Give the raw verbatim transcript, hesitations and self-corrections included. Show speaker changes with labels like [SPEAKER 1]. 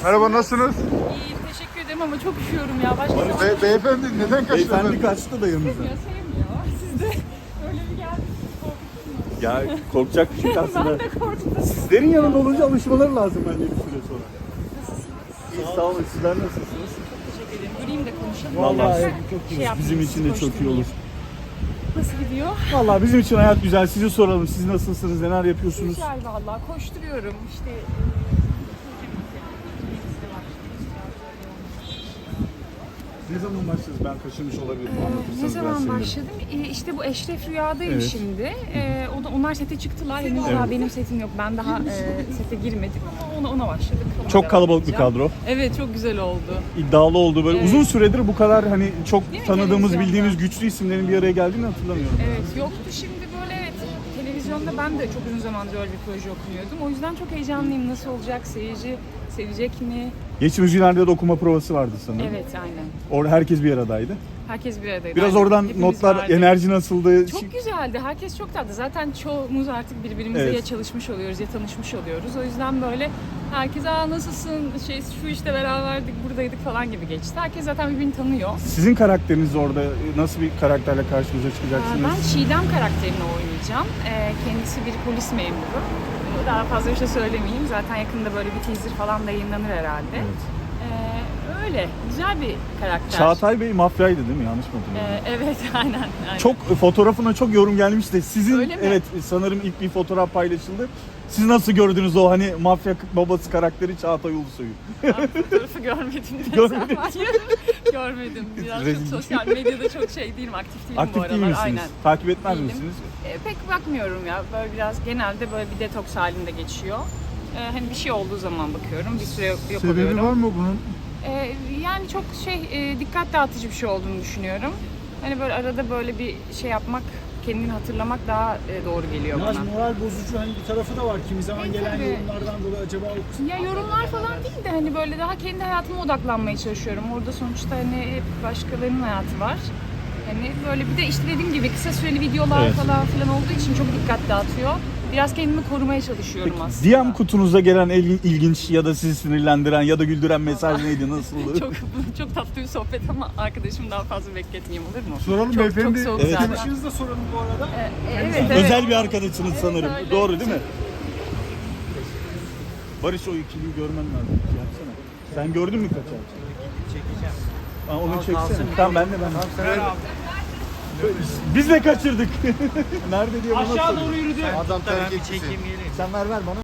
[SPEAKER 1] Merhaba, nasılsınız?
[SPEAKER 2] İyiyim, teşekkür ederim ama çok üşüyorum ya. Başka zaman
[SPEAKER 1] Be beyefendi neden kaçtınız?
[SPEAKER 3] Beyefendi kaçtı da yanımıza.
[SPEAKER 2] sevmiyor, sevmiyor. Siz de öyle bir geldiniz, korkuttunuz.
[SPEAKER 3] Ya korkacak bir şey
[SPEAKER 2] Ben
[SPEAKER 3] aslında.
[SPEAKER 2] de korktum.
[SPEAKER 3] Sizlerin yanında olunca alışmaları lazım bence bir süre sonra. İyi, sağ olun. Sizler nasılsınız?
[SPEAKER 2] Teşekkür ederim. Durayım da konuşalım.
[SPEAKER 3] Vallahi
[SPEAKER 2] Dersen
[SPEAKER 3] çok
[SPEAKER 2] şey
[SPEAKER 3] iyi.
[SPEAKER 2] yapmayayım,
[SPEAKER 3] Bizim için de çok iyi
[SPEAKER 2] koşturmayayım.
[SPEAKER 3] olur.
[SPEAKER 2] Nasıl gidiyor?
[SPEAKER 3] Vallahi bizim için hayat güzel. Sizi soralım. Siz nasılsınız? Neler yapıyorsunuz?
[SPEAKER 2] Güzel vallahi. Koşturuyorum. İşte e,
[SPEAKER 3] Ne zaman başladınız? Ben kaçırmış olabilirim.
[SPEAKER 2] Ee,
[SPEAKER 3] Anlatırsanız
[SPEAKER 2] ne
[SPEAKER 3] ben
[SPEAKER 2] zaman
[SPEAKER 3] sevinirim.
[SPEAKER 2] başladım? Ee, işte bu Eşref Rüya'dayım
[SPEAKER 3] Evet.
[SPEAKER 2] şimdi. Ee, o da onlar sete çıktılar. Henüz daha benim setim yok. Ben daha e, sete girmedim ama ona ona başladık. Ona
[SPEAKER 3] Çok
[SPEAKER 2] devam
[SPEAKER 3] kalabalık bir
[SPEAKER 2] edeceğim.
[SPEAKER 3] kadro.
[SPEAKER 2] Evet, çok güzel oldu.
[SPEAKER 3] İddialı oldu. Böyle
[SPEAKER 2] Evet.
[SPEAKER 3] uzun süredir bu kadar hani çok
[SPEAKER 2] Değil mi?
[SPEAKER 3] tanıdığımız,
[SPEAKER 2] Televizyonda.
[SPEAKER 3] bildiğimiz güçlü isimlerin bir araya geldiğini hatırlamıyorum.
[SPEAKER 2] Evet, yoktu. Şimdi böyle evet, televizyonda ben de çok uzun zamandır öyle bir proje okumuyordum. O yüzden çok heyecanlıyım. Nasıl olacak? Seyirci sevecek mi?
[SPEAKER 3] Geçtiğimiz günlerde de okuma provası vardı sanırım.
[SPEAKER 2] Evet, aynen.
[SPEAKER 3] Orada herkes bir aradaydı.
[SPEAKER 2] Herkes bir aradaydı.
[SPEAKER 3] Biraz
[SPEAKER 2] Aynen.
[SPEAKER 3] oradan
[SPEAKER 2] Hepimiz
[SPEAKER 3] notlar,
[SPEAKER 2] vardık.
[SPEAKER 3] enerji nasıldı?
[SPEAKER 2] Çok güzeldi. Herkes çok tatlı. Zaten çoğumuz artık birbirimizle
[SPEAKER 3] Evet.
[SPEAKER 2] ya çalışmış oluyoruz ya tanışmış oluyoruz. O yüzden böyle herkes aa nasılsın, şey şu işte beraberdik, buradaydık falan gibi geçti. Herkes zaten birbirini tanıyor.
[SPEAKER 3] Sizin karakteriniz orada nasıl bir karakterle karşımıza
[SPEAKER 2] Aa,
[SPEAKER 3] çıkacaksınız?
[SPEAKER 2] Ben Çiğdem karakterini oynayacağım. Ee, Kendisi bir polis memuru. Daha fazla bir şey söylemeyeyim. Zaten yakında böyle bir teaser falan da yayınlanır herhalde. Ee, öyle. Güzel bir karakter.
[SPEAKER 3] Çağatay Bey mafyaydı değil mi? Yanlış mı hatırlıyorum?
[SPEAKER 2] Ee, evet, aynen. aynen.
[SPEAKER 3] Çok fotoğrafına çok yorum gelmişti. Sizin
[SPEAKER 2] Öyle mi?
[SPEAKER 3] evet sanırım ilk bir fotoğraf paylaşıldı. Siz nasıl gördünüz o hani mafya babası karakteri Çağatay Ulusoy'u?
[SPEAKER 2] Ben fotoğrafı görmedim.
[SPEAKER 3] Görmediniz.
[SPEAKER 2] Hayır, görmedim. Biraz çok
[SPEAKER 3] Rezillik.
[SPEAKER 2] sosyal medyada çok şey değilim, aktif değilim bu
[SPEAKER 3] Aktif
[SPEAKER 2] aralar.
[SPEAKER 3] değil misiniz?
[SPEAKER 2] Aynen.
[SPEAKER 3] Takip etmez
[SPEAKER 2] Değilim.
[SPEAKER 3] misiniz?
[SPEAKER 2] E, pek bakmıyorum ya. Böyle biraz genelde böyle bir detoks halinde geçiyor. E, hani bir şey olduğu zaman bakıyorum. Bir süre yok
[SPEAKER 1] Sebebi
[SPEAKER 2] oluyorum.
[SPEAKER 1] var mı bunun?
[SPEAKER 2] E, yani çok şey e, dikkat dağıtıcı bir şey olduğunu düşünüyorum. Hani böyle arada böyle bir şey yapmak, kendini hatırlamak daha e, doğru geliyor
[SPEAKER 4] Biraz
[SPEAKER 2] bana.
[SPEAKER 4] moral bozucu hani bir tarafı da var. Kimi zaman
[SPEAKER 2] E,
[SPEAKER 4] gelen
[SPEAKER 2] tabii.
[SPEAKER 4] yorumlardan dolayı acaba o kısmı...
[SPEAKER 2] Ya yorumlar falan değil de hani böyle daha kendi hayatıma odaklanmaya çalışıyorum. Orada sonuçta hani hep başkalarının hayatı var. Hani böyle bir de işte dediğim gibi kısa süreli videolar
[SPEAKER 3] Evet.
[SPEAKER 2] falan filan olduğu için çok dikkat dağıtıyor. Biraz kendimi korumaya çalışıyorum aslında.
[SPEAKER 3] D M kutunuza gelen el- ilginç ya da sizi sinirlendiren ya da güldüren mesaj neydi? Nasıldı?
[SPEAKER 2] çok çok tatlı bir sohbet ama arkadaşım daha fazla bekletmeyeyim, olur mu?
[SPEAKER 1] Soralım
[SPEAKER 2] çok,
[SPEAKER 1] beyefendi.
[SPEAKER 2] Çok soğuk
[SPEAKER 3] Evet.
[SPEAKER 2] zaten.
[SPEAKER 4] Arkadaşınızı da soralım bu arada.
[SPEAKER 2] E, evet, evet.
[SPEAKER 3] Özel bir arkadaşınız sanırım.
[SPEAKER 2] öyle.
[SPEAKER 3] Doğru değil mi? Barış, o ikiliyi görmen lazım. Yapsana. Sen gördün mü kaçar? Çekeceğim. Aa, onu çeksene. Tamam, ben de ben. de. Biz de kaçırdık. Nerede diye bana
[SPEAKER 4] Aşağı
[SPEAKER 3] soruyor.
[SPEAKER 4] doğru yürüdü.
[SPEAKER 1] Adam terk etti.
[SPEAKER 3] Sen ver ver bana.